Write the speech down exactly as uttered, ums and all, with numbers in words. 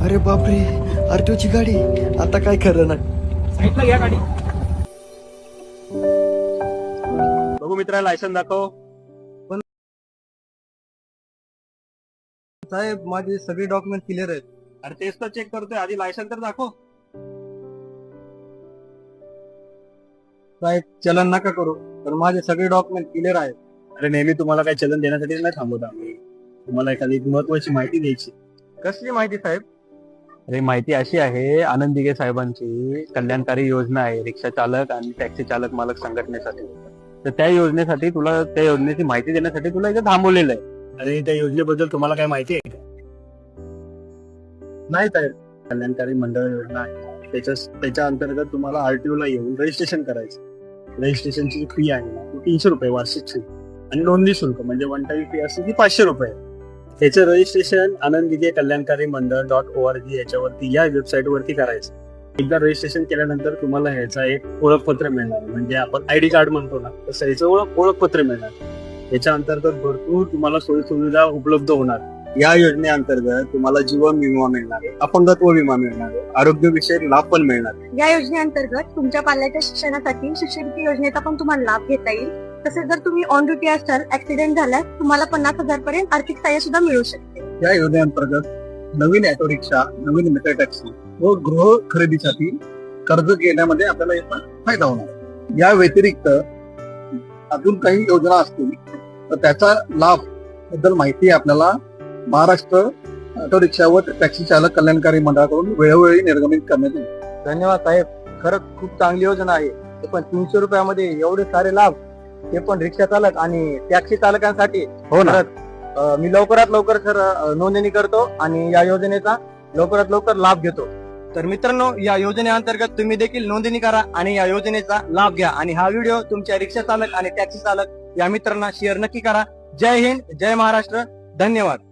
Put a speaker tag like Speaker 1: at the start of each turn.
Speaker 1: अरे बापरे, आरटीओची गाडी. आता काय खरं नाही.
Speaker 2: साईडला घ्या गाडी. बघू मित्रा, लायसन दाखव.
Speaker 1: साहेब, माझे सगळे डॉक्युमेंट क्लिअर आहेत.
Speaker 2: अरे तेच तर चेक करतोय, आधी लायसन तर दाखव.
Speaker 1: साहेब, चलन नका करू, तर माझे सगळे डॉक्युमेंट क्लिअर आहेत.
Speaker 2: अरे नेहमी तुम्हाला काही चलन देण्यासाठी नाही थांबवत आम्ही. तुम्हाला एखादी महत्वाची माहिती द्यायची.
Speaker 1: कसली माहिती साहेब?
Speaker 2: अरे माहिती अशी आहे, आनंद दिघे साहेबांची कल्याणकारी योजना आहे रिक्षा चालक आणि टॅक्सी चालक मालक संघटनेसाठी. तर त्या योजनेसाठी तुला, त्या योजनेची माहिती देण्यासाठी तुला इथे थांबवलेलं आहे. अरे त्या योजनेबद्दल तुम्हाला काय माहिती आहे का?
Speaker 1: नाही साहेब.
Speaker 2: कल्याणकारी मंडळ योजना आहे. त्याच्या त्याच्या अंतर्गत तुम्हाला आरटीओ ला येऊन रजिस्ट्रेशन करायचं. रजिस्ट्रेशनची फी आहे ना, ती तीनशे रुपये वार्षिक फी आणि नोंदणी शुल्क म्हणजे वन टाइम फी असते ती पाचशे रुपये. त्याचं रजिस्ट्रेशन आनंद दिघे कल्याणकारी मंडळ डॉट ओ आर जी याच्यावरती, या वेबसाईट वरती करायचं. एकदा रजिस्ट्रेशन केल्यानंतर तुम्हाला ह्याचा एक ओळखपत्र मिळणार, म्हणजे आपण आयडी कार्ड म्हणतो ना, तसं याचं ओळख ओळखपत्र मिळणार. याच्या अंतर्गत भरपूर तुम्हाला सोयी सुविधा उपलब्ध होणार. या योजनेअंतर्गत तुम्हाला जीवन विमा मिळणार आहे, अपंगत्व विमा मिळणार आहे, आरोग्य विषयक लाभ पण मिळणार.
Speaker 3: या योजनेअंतर्गत तुमच्या पाल्याच्या शिक्षणासाठी शिष्यवृत्ती योजनेचा पण तुम्हाला लाभ घेता येईल. तसेच जर तुम्ही ऑन ड्युटी असाल, ऍक्सिडेंट झाल्यास तुम्हाला पन्नास हजार पर्यंत आर्थिक सहाय्य सुद्धा मिळू शकते.
Speaker 1: या योजनेअंतर्गत नवीन ऑटो रिक्षा, नवीन मीटर टॅक्सी व गृह खरेदीसाठी कर्ज घेण्यामध्ये आपल्याला याचा फायदा होणार. या व्यतिरिक्त अजून काही योजना असतील तर त्याचा लाभ बद्दल माहिती आपल्याला महाराष्ट्र ऑटो रिक्षा व टॅक्सी चालक कल्याणकारी मंडळाकडून वेळोवेळी निर्गमित करण्यात येईल. धन्यवाद साहेब, खरंच खूप चांगली योजना आहे. ते पण तीनशे रुपयामध्ये एवढे सारे लाभ, ते पण रिक्षा चालक आणि टॅक्सी चालकांसाठी.
Speaker 2: हो ना.
Speaker 1: मी लवकरात लवकर सर नोंदणी करतो आणि या योजनेचा लवकरात लवकर लाभ घेतो. तर मित्रांनो, या योजनेअंतर्गत तुम्ही देखील नोंदणी करा आणि या योजनेचा लाभ घ्या. आणि हा व्हिडिओ तुमच्या रिक्षा चालक आणि टॅक्सी चालक या मित्रांना शेअर नक्की करा. जय हिंद, जय महाराष्ट्र, धन्यवाद.